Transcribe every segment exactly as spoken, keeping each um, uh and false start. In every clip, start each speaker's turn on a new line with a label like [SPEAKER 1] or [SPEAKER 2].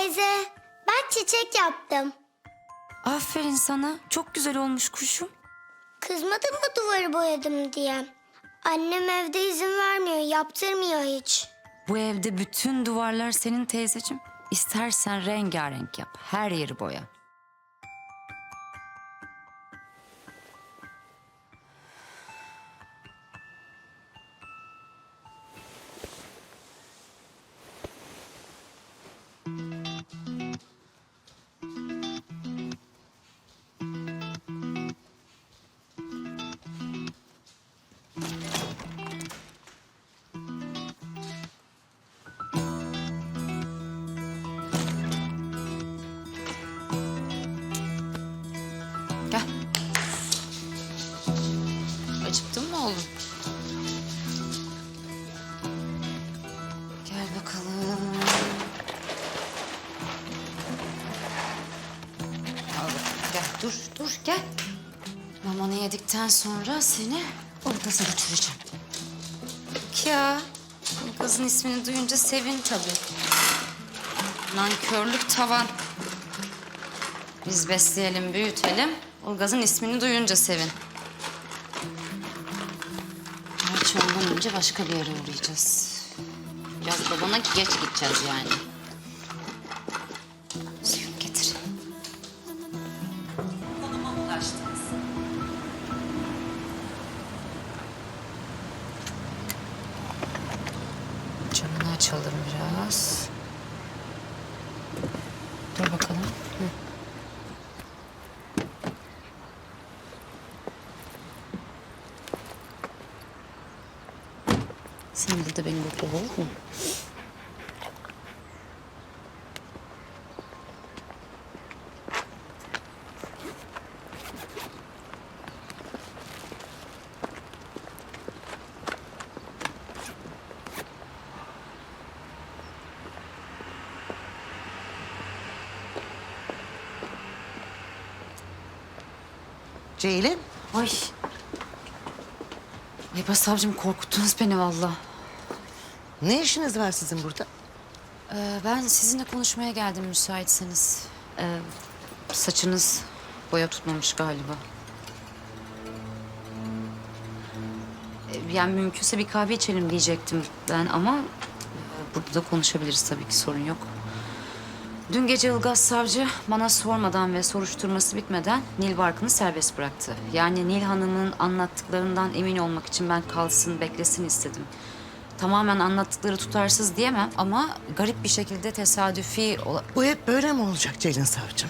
[SPEAKER 1] Teyze, ben çiçek yaptım.
[SPEAKER 2] Aferin sana. Çok güzel olmuş kuşum.
[SPEAKER 1] Kızmadın mı duvarı boyadım diye? Annem evde izin vermiyor, yaptırmıyor hiç.
[SPEAKER 2] Bu evde bütün duvarlar senin teyzeciğim. İstersen rengarenk yap. Her yeri boya. Gel. Acıktın mı oğlum? Gel bakalım. Al bakalım. Gel dur dur gel. Mamanı yedikten sonra seni Ulgaz'a götüreceğim. Bak ya. Ulgaz'ın ismini duyunca sevin tabii. Nankörlük tavan. Biz besleyelim, büyütelim. Ulgaz'ın ismini duyunca sevin. Gerçi ondan önce başka bir yere uğrayacağız. Biraz babana geç gideceğiz yani. Suyunu getir. Konuma ulaştınız. Camını açalım biraz. Dur bakalım. Hı. Sen burada beni bekle, olur mu?
[SPEAKER 3] Ceylin,
[SPEAKER 2] Ay. Ay başsavcım korkuttunuz beni vallahi.
[SPEAKER 3] ne işiniz var sizin burada?
[SPEAKER 2] Ee, ben sizinle konuşmaya geldim müsaitseniz. Ee, saçınız boya tutmamış galiba. Ee, yani mümkünse bir kahve içelim diyecektim ben ama... e, ...burada da konuşabiliriz tabii ki, sorun yok. Dün gece Ilgaz savcı bana sormadan ve soruşturması bitmeden Nil Barkın'ı serbest bıraktı. Yani Nil Hanım'ın anlattıklarından emin olmak için ben kalsın, beklesin istedim. Tamamen anlattıkları tutarsız diyemem ama garip bir şekilde tesadüfi... ola-
[SPEAKER 3] Bu hep böyle mi olacak Ceylin savcım?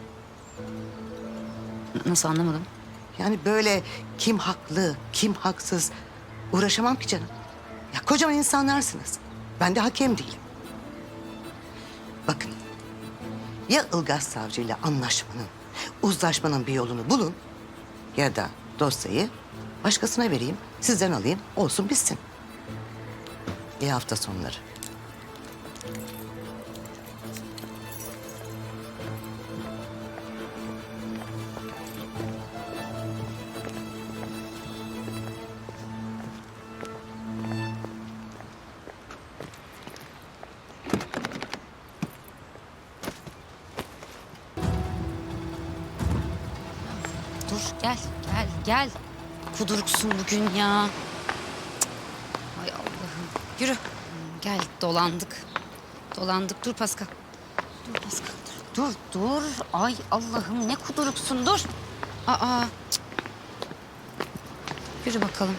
[SPEAKER 2] Nasıl, anlamadım?
[SPEAKER 3] Yani böyle kim haklı, kim haksız uğraşamam ki canım. Ya kocaman insanlarsınız. Ben de hakem değilim. Bakın, ya Ilgaz savcıyla anlaşmanın, uzlaşmanın bir yolunu bulun... ...ya da dosyayı başkasına vereyim, sizden alayım, olsun bitsin. İyi hafta sonları.
[SPEAKER 2] Dur, gel, gel, gel. Kuduruksun bugün ya. Cık. Ay Allah'ım. Yürü. Gel, dolandık. Dolandık. Dur Pascal. Dur Pascal, dur. Dur, dur. Ay Allah'ım, ne kuduruksun, dur. Aa. Cık. Yürü bakalım.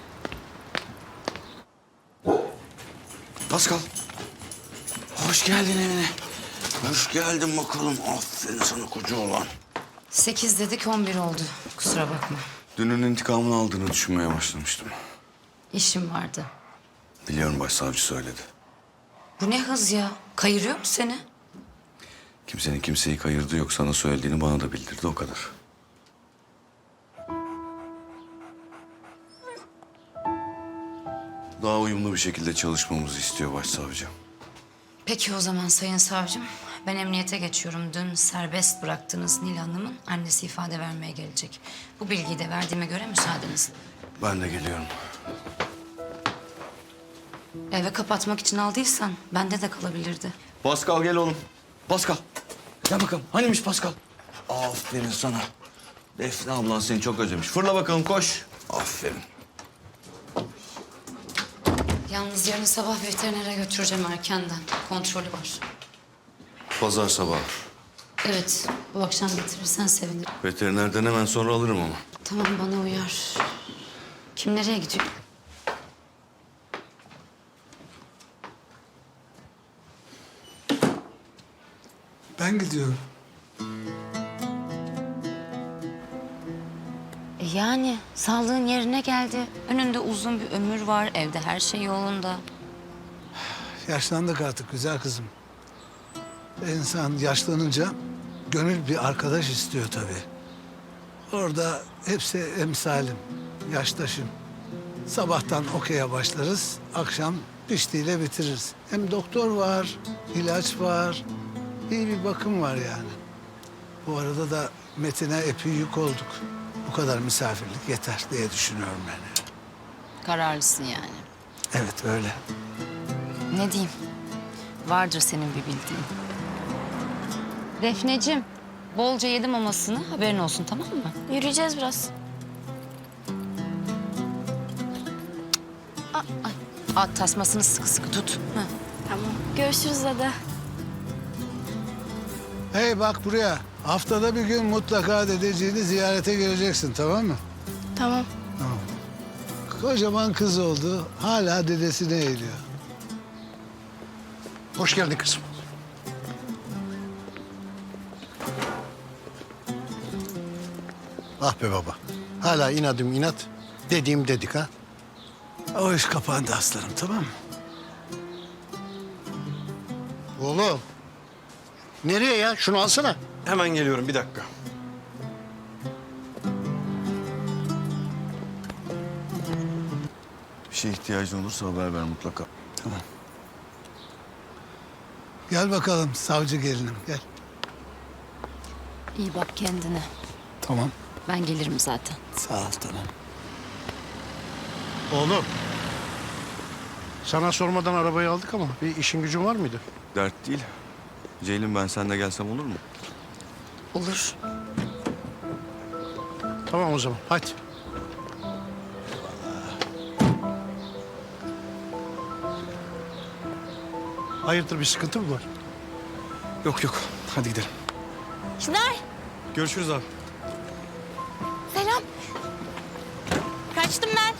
[SPEAKER 4] Pascal. Hoş geldin evine. Hoş geldin bakalım. Aferin sana koca oğlan.
[SPEAKER 2] Sekiz dedik, on bir oldu. Kusura bakma.
[SPEAKER 4] Dünün intikamını aldığını düşünmeye başlamıştım.
[SPEAKER 2] İşim vardı.
[SPEAKER 4] Biliyorum, başsavcı söyledi.
[SPEAKER 2] Bu ne hız ya? Kayırıyor mu seni?
[SPEAKER 4] Kimsenin kimseyi kayırdığı yok. Sana söylediğini bana da bildirdi, o kadar. Daha uyumlu bir şekilde çalışmamızı istiyor başsavcı.
[SPEAKER 2] Peki o zaman sayın savcım. Ben emniyete geçiyorum. Dün serbest bıraktığınız Nil Hanım'ın annesi ifade vermeye gelecek. Bu bilgiyi de verdiğime göre müsaadeniz.
[SPEAKER 4] Ben de geliyorum.
[SPEAKER 2] Eve kapatmak için aldıysan bende de kalabilirdi.
[SPEAKER 4] Pascal gel oğlum. Pascal. Gel bakalım. Hanimiş Pascal? Aferin sana. Defne ablan seni çok özlemiş. Fırla bakalım koş. Aferin.
[SPEAKER 2] Yalnız yarın sabah veterinere götüreceğim erkenden. Kontrolü var.
[SPEAKER 4] Pazar sabahı.
[SPEAKER 2] Evet, bu akşam getirirsen sevinirim.
[SPEAKER 4] Veterinerden hemen sonra alırım ama.
[SPEAKER 2] Tamam, bana uyar. Kim nereye gidiyor?
[SPEAKER 5] Ben gidiyorum.
[SPEAKER 2] E yani sağlığın yerine geldi. Önünde uzun bir ömür var, evde her şey yolunda.
[SPEAKER 5] Yaşlandık artık güzel kızım. İnsan yaşlanınca gönül bir arkadaş istiyor tabii. Orada hepsi emsalim, yaştaşım. Sabahtan okey'e başlarız, akşam piştiyle bitiririz. Hem doktor var, ilaç var, iyi bir bakım var yani. Bu arada da Metin'e epey yük olduk. Bu kadar misafirlik yeter diye düşünüyorum yani.
[SPEAKER 2] Kararlısın yani.
[SPEAKER 5] Evet öyle.
[SPEAKER 2] Ne diyeyim? Vardır senin bir bildiğin. Defneciğim, bolca yedim mamasını. Haberin olsun, tamam mı?
[SPEAKER 1] Yürüyeceğiz biraz.
[SPEAKER 2] At tasmasını sıkı sıkı tut. Hı.
[SPEAKER 1] Tamam. Görüşürüz Ada.
[SPEAKER 5] Hey bak buraya. Haftada bir gün mutlaka dedeciğini ziyarete geleceksin, tamam mı?
[SPEAKER 1] Tamam.
[SPEAKER 5] Kocaman kız oldu. Hala dedesine eğiliyor.
[SPEAKER 6] Hoş geldin kızım. Ah be baba. Hala inadım inat. Dediğim dedik ha.
[SPEAKER 5] O iş kapandı aslanım, tamam mı?
[SPEAKER 6] Oğlum. Nereye ya? Şunu alsana.
[SPEAKER 7] Hemen geliyorum bir dakika.
[SPEAKER 4] Bir şeye ihtiyacın olursa haber ver mutlaka.
[SPEAKER 5] Gel bakalım savcı gelinim, gel.
[SPEAKER 2] İyi bak kendine.
[SPEAKER 5] Tamam.
[SPEAKER 2] Ben gelirim zaten.
[SPEAKER 5] Sağ ol, tamam.
[SPEAKER 6] Oğlum. Sana sormadan arabayı aldık ama bir işin gücün var mıydı?
[SPEAKER 4] Dert değil. Ceylin ben sen de gelsem olur mu?
[SPEAKER 2] Olur.
[SPEAKER 6] Tamam o zaman. Hadi. Hayırdır bir sıkıntı mı var?
[SPEAKER 7] Yok yok. Hadi gidelim.
[SPEAKER 1] Çınar.
[SPEAKER 7] Görüşürüz abi.
[SPEAKER 1] Selam. Kaçtım ben.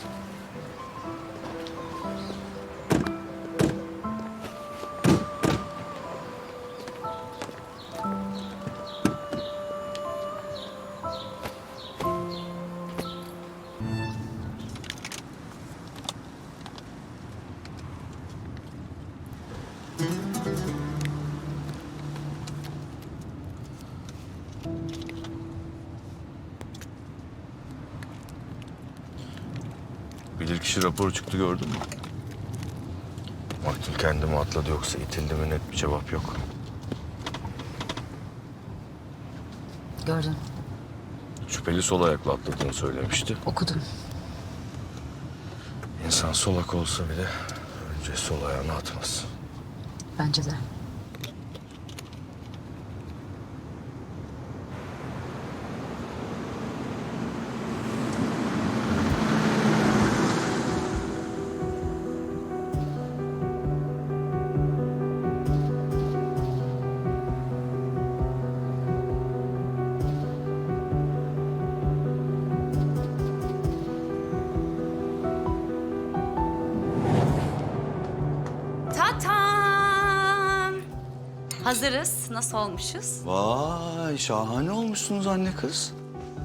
[SPEAKER 8] Bilirkişi raporu çıktı gördün mü? Maktul kendi mi atladı yoksa itildi mi net bir cevap yok.
[SPEAKER 2] Gördüm,
[SPEAKER 8] Şüpheli sol ayakla atladığını söylemişti.
[SPEAKER 2] okudum.
[SPEAKER 8] İnsan solak olsa bile önce sol ayağını atmaz.
[SPEAKER 2] Bence de. Tatam! Hazırız. Nasıl olmuşuz?
[SPEAKER 4] Vay şahane olmuşsunuz anne kız.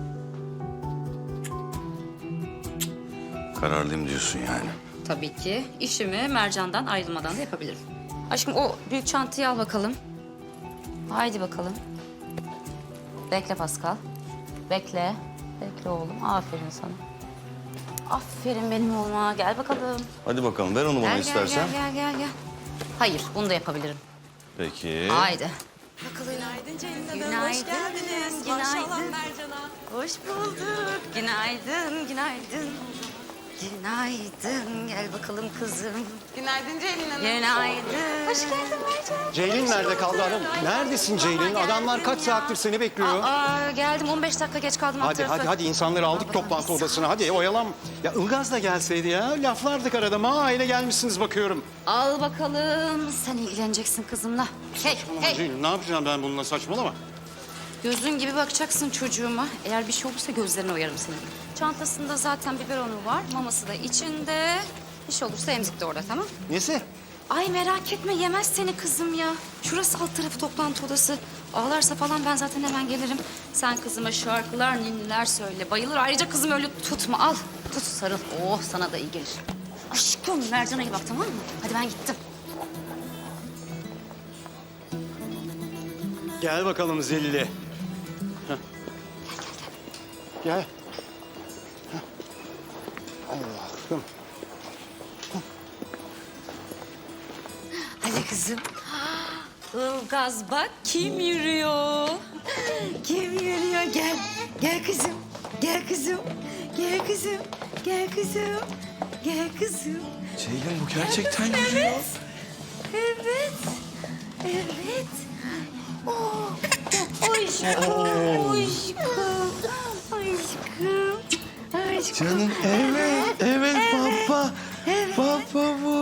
[SPEAKER 4] Kararlıyım diyorsun yani.
[SPEAKER 2] Tabii ki. İşimi Mercan'dan ayrılmadan da yapabilirim. Aşkım o büyük çantayı al bakalım. Haydi bakalım. Bekle Pascal. Bekle. Bekle oğlum. Aferin sana. Aferin benim oğluma. Gel bakalım.
[SPEAKER 4] Hadi bakalım ver onu bana
[SPEAKER 2] Gel, gel,
[SPEAKER 4] istersen.
[SPEAKER 2] gel, gel, gel, gel. Hayır, bunu da yapabilirim.
[SPEAKER 4] Peki.
[SPEAKER 2] Haydi.
[SPEAKER 9] Günaydın Ceylin Hanım.
[SPEAKER 2] Günaydın,
[SPEAKER 9] Hoş geldiniz.
[SPEAKER 2] günaydın.
[SPEAKER 9] Maşallah Mercan'a.
[SPEAKER 2] Hoş bulduk. Günaydın, günaydın. Günaydın. Gel bakalım kızım.
[SPEAKER 9] Günaydın Ceylin Hanım.
[SPEAKER 2] Günaydın. Hoş geldin Mercan.
[SPEAKER 6] Ceylin nerede kaldı hanım? Neredesin Ceylin? Adamlar kaç saattir seni bekliyor.
[SPEAKER 2] Aa, geldim on beş dakika geç kaldım. alt
[SPEAKER 6] Hadi
[SPEAKER 2] tarafı.
[SPEAKER 6] hadi hadi insanları aldık toplantı odasına. Hadi oyalan. Ya Ilgaz da gelseydi ya. Laflardık arada. Ma aile gelmişsiniz bakıyorum.
[SPEAKER 2] Al bakalım. Sen ilgileneceksin kızımla. Hey hey.
[SPEAKER 6] Ceylin ne yapacağım ben bununla, saçmalama.
[SPEAKER 2] Gözün gibi bakacaksın çocuğuma. Eğer bir şey olursa gözlerine oyarım senin. Çantasında zaten biberonu var. Maması da içinde. Bir şey olursa emzik de orada, tamam?
[SPEAKER 6] Nesi?
[SPEAKER 2] Ay merak etme, yemez seni kızım ya. Şurası alt tarafı toplantı odası. Ağlarsa falan ben zaten hemen gelirim. Sen kızıma şarkılar, ninniler söyle. Bayılır. Ayrıca kızım öyle tutma. Al. Tut sarıl. Oh sana da iyi gelir. Aşkım Mercan'a iyi bak, tamam mı? Hadi ben gittim.
[SPEAKER 6] Gel bakalım Zelile. Heh. Gel. Heh. Allah'ım.
[SPEAKER 2] Hadi kızım. Ilgaz bak kim yürüyor. Kim yürüyor? Gel. Gel kızım. Gel kızım. Gel kızım. Gel kızım. Gel kızım.
[SPEAKER 4] Ceylin bu gerçekten yürüyor.
[SPEAKER 2] Evet. Evet. Evet. Oh. Aşkım. Aşkım. Aşkım. Aşkım.
[SPEAKER 4] Canım evet, evet baba. Baba bu.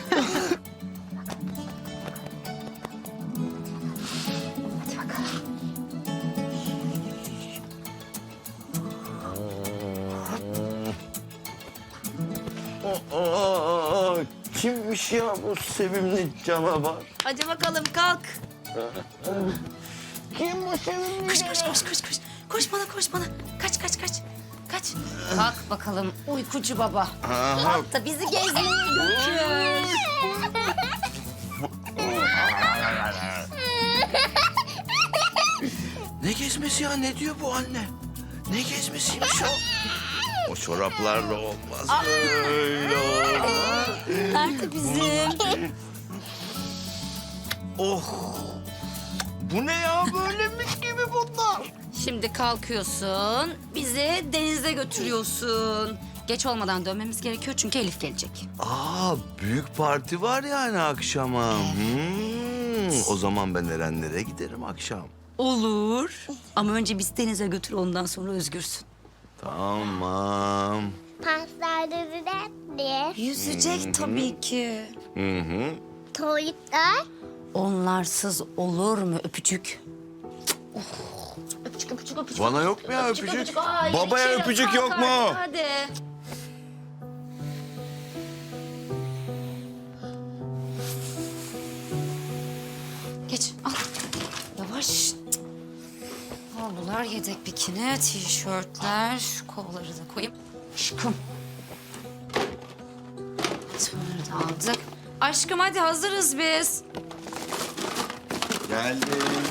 [SPEAKER 2] Hadi bakalım.
[SPEAKER 4] Aa, kimmiş ya bu sevimli canavar?
[SPEAKER 2] Hadi bakalım kalk.
[SPEAKER 4] Kim bu sevimli
[SPEAKER 2] Koş koş koş koş koş. Koş bana koş bana. Kaç kaç kaç. Kaç. Kalk bakalım uykucu baba. Kalk da bizi gezmeye götür.
[SPEAKER 4] Ne gezmesi ya? Ne diyor bu anne? Ne gezmesiymiş o? O çoraplarla olmaz. Böyle olmaz.
[SPEAKER 2] Nerede bizim?
[SPEAKER 4] Oh! Bu ne ya? Böylemiş gibi bunlar.
[SPEAKER 2] Şimdi kalkıyorsun. Bizi denize götürüyorsun. Geç olmadan dönmemiz gerekiyor çünkü Elif gelecek.
[SPEAKER 4] Aa, büyük parti var yani akşama. Hmm, o zaman ben Erenlere giderim akşam.
[SPEAKER 2] Olur. Ama önce biz denize götür ondan sonra özgürsün.
[SPEAKER 4] Tamam.
[SPEAKER 1] Paslarda düzeltti.
[SPEAKER 2] Yüzecek tabii ki.
[SPEAKER 4] Hı hı.
[SPEAKER 1] Tuvaletler.
[SPEAKER 2] Onlarsız olur mu öpücük? Oh. Öpücük, öpücük, öpücük.
[SPEAKER 4] Bana yok mu ya öpücük?
[SPEAKER 2] Ay,
[SPEAKER 4] Babaya
[SPEAKER 2] içerim.
[SPEAKER 4] öpücük
[SPEAKER 2] Kalk
[SPEAKER 4] yok mu?
[SPEAKER 2] artık, Hadi. Geç, al. Yavaş. Havlular, yedek bikini, tişörtler. Şu kovaları da koyayım. Aşkım. Bunları da aldık. Aşkım hadi hazırız biz.
[SPEAKER 4] Geldim.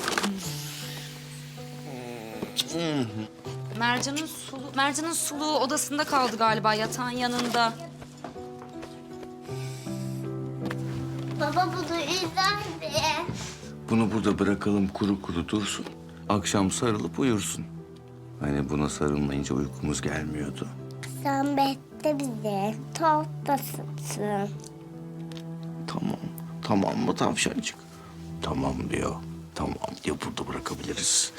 [SPEAKER 2] Mercan'ın sulu, Mercan'ın suluğu odasında kaldı galiba yatağın yanında.
[SPEAKER 1] Baba bunu izlerdi.
[SPEAKER 4] Bunu burada bırakalım kuru kuru dursun. Akşam sarılıp uyursun. Hani buna sarılmayınca uykumuz gelmiyordu.
[SPEAKER 1] Sen bekle bizi. Tuhaftasın.
[SPEAKER 4] Tamam. Tamam mı tavşancık? Tamam diyor. Tamam diyor, burada bırakabiliriz.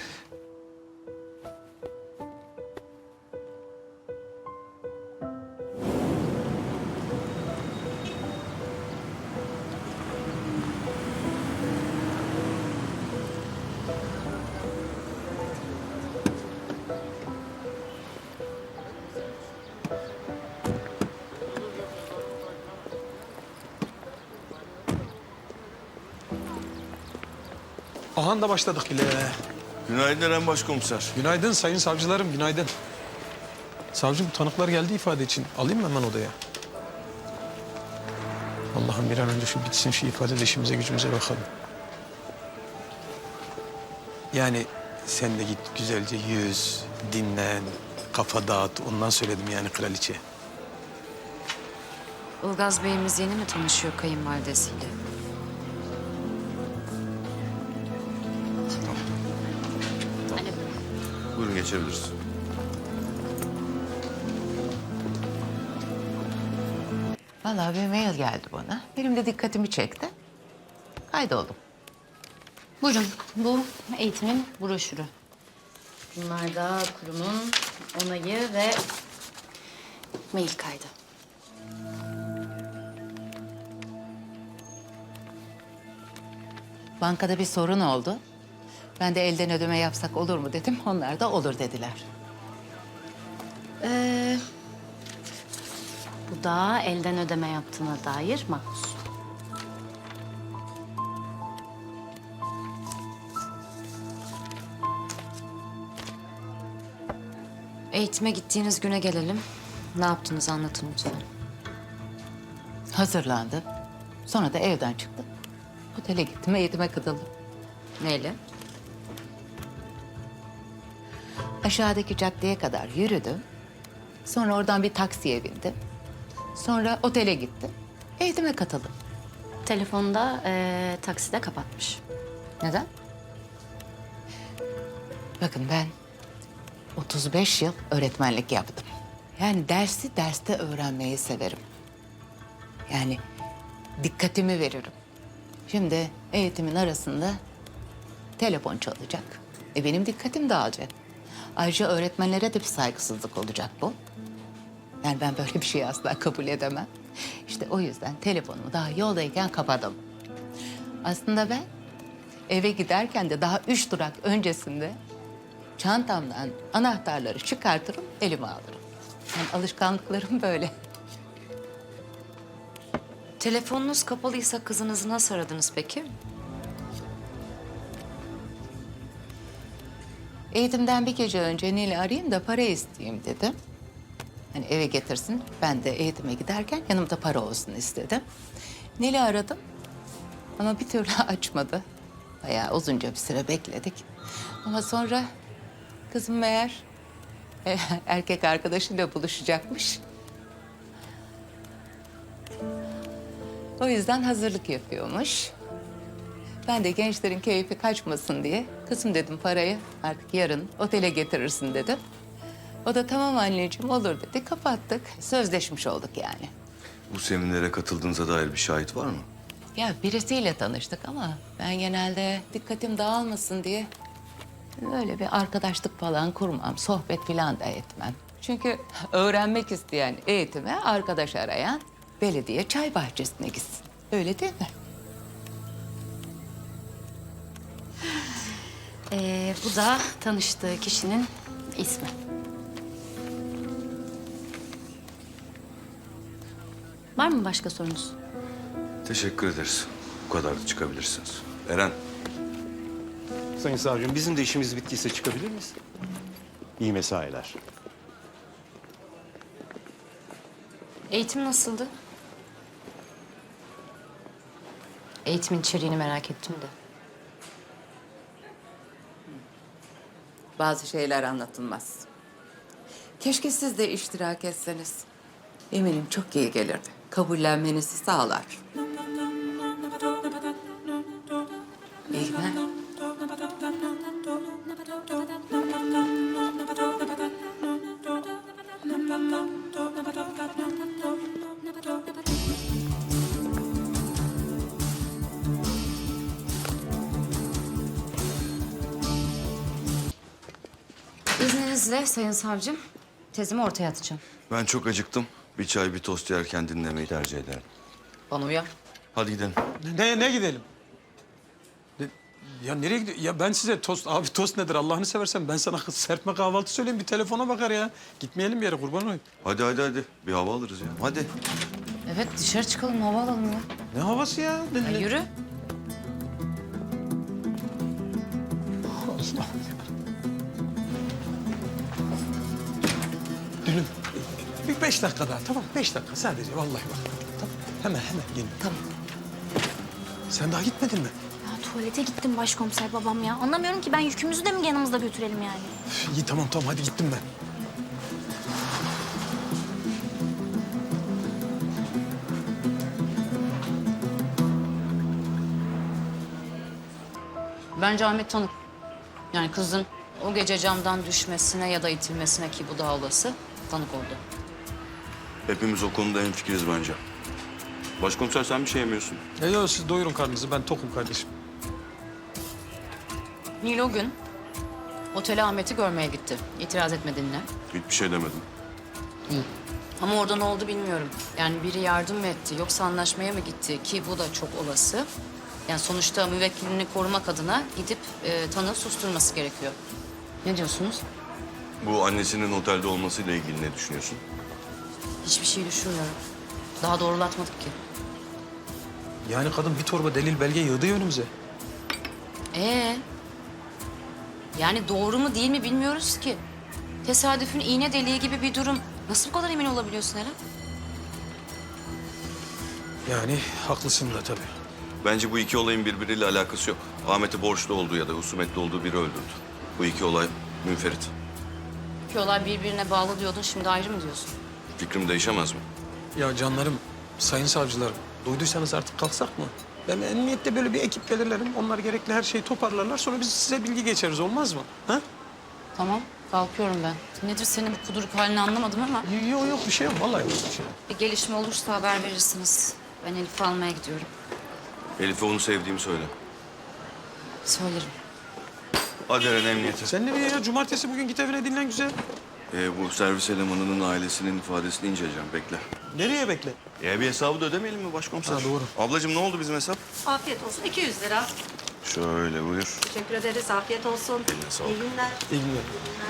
[SPEAKER 7] Ahan da başladık bile.
[SPEAKER 4] Günaydın Eren Başkomiser.
[SPEAKER 7] Günaydın sayın savcılarım, günaydın. Savcım tanıklar geldi ifade için. Alayım mı hemen odaya? Allah'ım bir an önce şu bitsin şu ifade de işimize gücümüze bakalım. Yani sen de git güzelce yüz, dinlen, kafa dağıt. Ondan söyledim yani kraliçe.
[SPEAKER 2] Ilgaz Bey'imiz yeni mi tanışıyor kayınvalidesiyle?
[SPEAKER 4] Buyurun geçebiliriz.
[SPEAKER 10] Vallahi bir mail geldi bana. Benim de dikkatimi çekti. Kaydoldum.
[SPEAKER 2] Buyurun, bu eğitimin broşürü. Bunlar da kurumun onayı ve mail kaydı.
[SPEAKER 10] Bankada bir sorun oldu. Ben de elden ödeme yapsak olur mu dedim. Onlar da olur dediler.
[SPEAKER 2] Ee, bu da elden ödeme yaptığına dair makbuz. Eğitime gittiğiniz güne gelelim. Ne yaptınız anlatın lütfen.
[SPEAKER 10] Hazırlandım. Sonra da evden çıktım. Otele gittim, eğitime katıldım.
[SPEAKER 2] Neyle?
[SPEAKER 10] Aşağıdaki caddeye kadar yürüdüm. Sonra oradan bir taksiye bindim. Sonra otele gittim. Eğitime katıldım.
[SPEAKER 2] Telefonda ee, takside kapatmış.
[SPEAKER 10] Neden? Bakın ben otuz beş yıl öğretmenlik yaptım. Yani dersi derste öğrenmeyi severim. Yani dikkatimi veririm. Şimdi eğitimin arasında telefon çalacak. E benim dikkatim dağılacak. Ayrıca öğretmenlere de bir saygısızlık olacak bu. Yani ben böyle bir şeyi asla kabul edemem. İşte o yüzden telefonumu daha yoldayken kapadım. Aslında ben eve giderken de daha üç durak öncesinde çantamdan anahtarları çıkartırım, elime alırım. Yani alışkanlıklarım böyle.
[SPEAKER 2] Telefonunuz kapalıysa kızınızı nasıl aradınız peki?
[SPEAKER 10] Eğitimden bir gece önce Nil'i arayayım da para isteyeyim dedim. Hani eve getirsin, ben de eğitime giderken yanımda para olsun istedim. Nil'i aradım ama bir türlü açmadı. Bayağı uzunca bir süre bekledik. Ama sonra kızım meğer e, erkek arkadaşıyla buluşacakmış. O yüzden hazırlık yapıyormuş. Ben de gençlerin keyfi kaçmasın diye kızım dedim parayı artık yarın otele getirirsin dedim. O da tamam anneciğim olur dedi. Kapattık. Sözleşmiş olduk yani.
[SPEAKER 8] Bu seminere katıldığınıza dair bir şahit var mı?
[SPEAKER 10] Ya birisiyle tanıştık ama ben genelde dikkatim dağılmasın diye öyle bir arkadaşlık falan kurmam. Sohbet falan da etmem. Çünkü öğrenmek isteyen eğitime arkadaş arayan belediye çay bahçesine gitsin. Öyle değil mi?
[SPEAKER 2] Ee, bu da tanıştığı kişinin ismi. Var mı başka sorunuz?
[SPEAKER 8] Teşekkür ederiz. Bu kadar da çıkabilirsiniz. Eren,
[SPEAKER 6] Sayın savcım bizim de işimiz bittiyse çıkabilir miyiz? İyi mesailer.
[SPEAKER 2] Eğitim nasıldı? Eğitimin içeriğini merak ettim de.
[SPEAKER 10] Bazı şeyler anlatılmaz. Keşke siz de iştirak etseniz. Eminim çok iyi gelirdi. Kabullenmenizi sağlar. İyi günler.
[SPEAKER 2] İzninizle Sayın Savcım, tezimi ortaya atacağım.
[SPEAKER 8] ben çok acıktım. Bir çay, bir tost yerken dinlemeyi tercih ederim.
[SPEAKER 2] Bana uyar.
[SPEAKER 8] Hadi gidelim.
[SPEAKER 7] Ne, ne gidelim? Ne- ya nereye gidiyor? Ya ben size tost, abi tost nedir Allah'ını seversen ben sana serpme kahvaltı söyleyeyim bir telefona bakar ya. Gitmeyelim bir yere kurban olayım.
[SPEAKER 8] Hadi hadi hadi. Bir hava alırız ya. Hadi.
[SPEAKER 2] Evet, dışarı çıkalım, hava alalım ya.
[SPEAKER 7] Ne havası ya? Ne,
[SPEAKER 2] Ya
[SPEAKER 7] ne-
[SPEAKER 2] yürü.
[SPEAKER 7] Allah. Dünüm. Bir beş dakika daha tamam beş dakika sadece vallahi bak. Tamam hemen hemen gelin.
[SPEAKER 2] Tamam.
[SPEAKER 7] Sen daha gitmedin mi?
[SPEAKER 9] Ya tuvalete gittim başkomiser babam ya. Anlamıyorum ki ben yükümüzü de mi yanımızda götürelim yani?
[SPEAKER 7] Üf, İyi tamam tamam hadi gittim ben.
[SPEAKER 2] Bence Ahmet tanık. Yani kızın o gece camdan düşmesine ya da itilmesine ki bu daha olası tanık oldu.
[SPEAKER 8] Hepimiz o konuda hemfikiriz bence.
[SPEAKER 11] Başkomiser sen bir şey yemiyorsun.
[SPEAKER 7] Ya yok siz doyurun karnınızı ben tokum kardeşim.
[SPEAKER 2] Nil o gün otele Ahmet'i görmeye gitti. İtiraz etmediğinle.
[SPEAKER 11] Hiçbir şey demedim.
[SPEAKER 2] Ama orada ne oldu bilmiyorum. Yani biri yardım mı etti yoksa anlaşmaya mı gitti ki bu da çok olası. Yani sonuçta müvekkilini korumak adına gidip e, tanığı susturması gerekiyor. Ne diyorsunuz?
[SPEAKER 11] Bu annesinin otelde olmasıyla ilgili ne düşünüyorsun?
[SPEAKER 2] Hiçbir şey düşünmüyorum. Daha doğrulatmadık ki.
[SPEAKER 7] Yani kadın bir torba delil belge yığdı ya önümüze.
[SPEAKER 2] Ee, yani doğru mu değil mi bilmiyoruz ki. Tesadüfün iğne deliği gibi bir durum. Nasıl bu kadar emin olabiliyorsun Eren?
[SPEAKER 7] Yani haklısın da tabii.
[SPEAKER 11] Bence bu iki olayın birbiriyle alakası yok. Ahmet'i borçlu olduğu ya da husumetli olduğu biri öldürdü. Bu iki olay münferit.
[SPEAKER 2] İki olay birbirine bağlı diyordun, şimdi ayrı mı diyorsun?
[SPEAKER 11] Fikrim değişemez mi?
[SPEAKER 7] Ya canlarım, sayın savcılarım, duyduysanız artık kalksak mı? Ben emniyette böyle bir ekip belirlerim. Onlar gerekli her şeyi toparlarlar. Sonra biz size bilgi geçeriz, olmaz mı? Ha?
[SPEAKER 2] Tamam, kalkıyorum ben. Nedir senin bu kuduruk halini anlamadım ama.
[SPEAKER 7] Yok yok bir şey yok. Vallahi yok bir şey yok.
[SPEAKER 2] Bir gelişme olursa haber verirsiniz. Ben Elif'i almaya gidiyorum.
[SPEAKER 11] Elif'e onu sevdiğimi söyle.
[SPEAKER 2] Söylerim.
[SPEAKER 11] Hadi Eren emniyete.
[SPEAKER 7] Sen nereye ya? Cumartesi bugün git evine dinlen güzel.
[SPEAKER 11] Ee, bu servis elemanının ailesinin ifadesini inceleyeceğim. Bekle.
[SPEAKER 7] Nereye bekle?
[SPEAKER 11] Ee, bir hesabı da ödemeyelim mi başkomiser?
[SPEAKER 7] Ha, doğru.
[SPEAKER 11] Ablacığım ne oldu bizim hesap?
[SPEAKER 12] Afiyet olsun. iki yüz lira.
[SPEAKER 11] Şöyle buyur.
[SPEAKER 12] Teşekkür ederiz. Afiyet olsun.
[SPEAKER 11] Eline sağlık.
[SPEAKER 12] İyi günler.
[SPEAKER 7] İyi günler.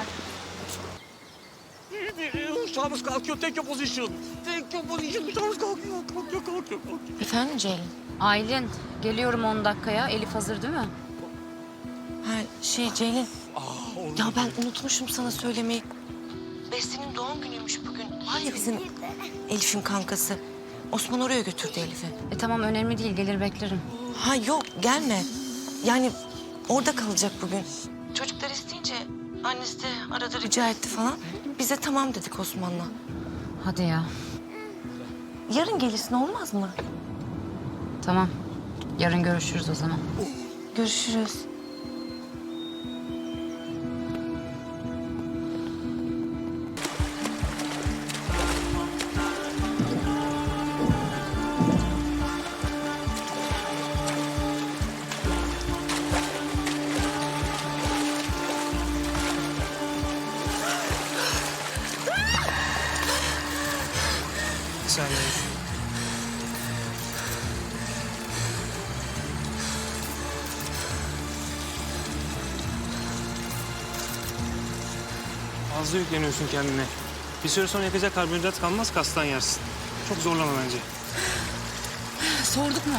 [SPEAKER 4] Uçağımız kalkıyor. Take your position. Take your position. Uçağımız kalkıyor. Kalkıyor, kalkıyor, kalkıyor.
[SPEAKER 2] Efendim Ceylin? Aylin, geliyorum on dakikaya. Elif hazır değil mi?
[SPEAKER 13] Ha şey Ceylin. Ya ben unutmuşum sana söylemeyi. Beste'nin doğum günüymüş bugün. Var ya bizim Elif'in kankası. Osman oraya götürdü Elif'i.
[SPEAKER 2] E tamam, önemli değil. Gelir beklerim.
[SPEAKER 13] Ha yok gelme. Yani orada kalacak bugün. Çocuklar isteyince annesi de arada rica etti falan. Biz de tamam dedik Osman'la.
[SPEAKER 2] Hadi ya.
[SPEAKER 13] Yarın gelirsin olmaz mı?
[SPEAKER 2] Tamam. Yarın görüşürüz o zaman.
[SPEAKER 13] Görüşürüz.
[SPEAKER 7] Sen de.
[SPEAKER 14] Fazla yükleniyorsun kendine. Bir süre sonra yakacak karbonhidrat kalmaz, kastan yersin. Çok zorlama bence.
[SPEAKER 2] Sorduk mu?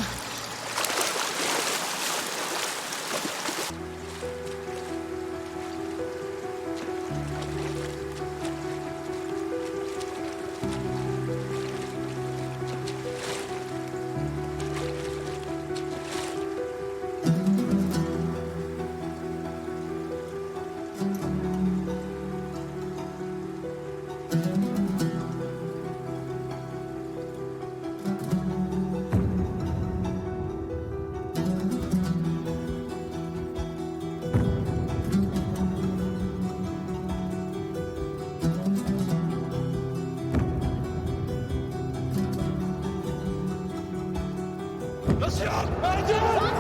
[SPEAKER 4] Nasıl ya? Mercan!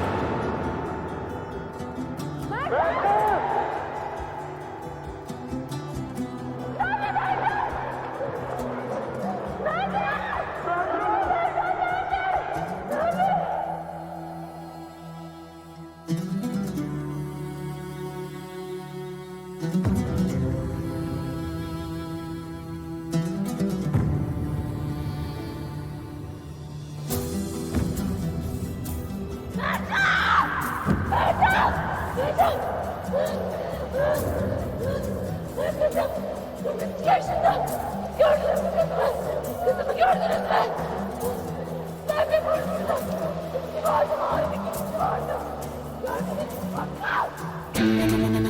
[SPEAKER 1] Yaşında. Gördünüz mü kızımı? Kızımı gördünüz mü? Ben bir burnumda. Kim vardı? Harbi kimsi vardı? Gördünüz mü? Bak.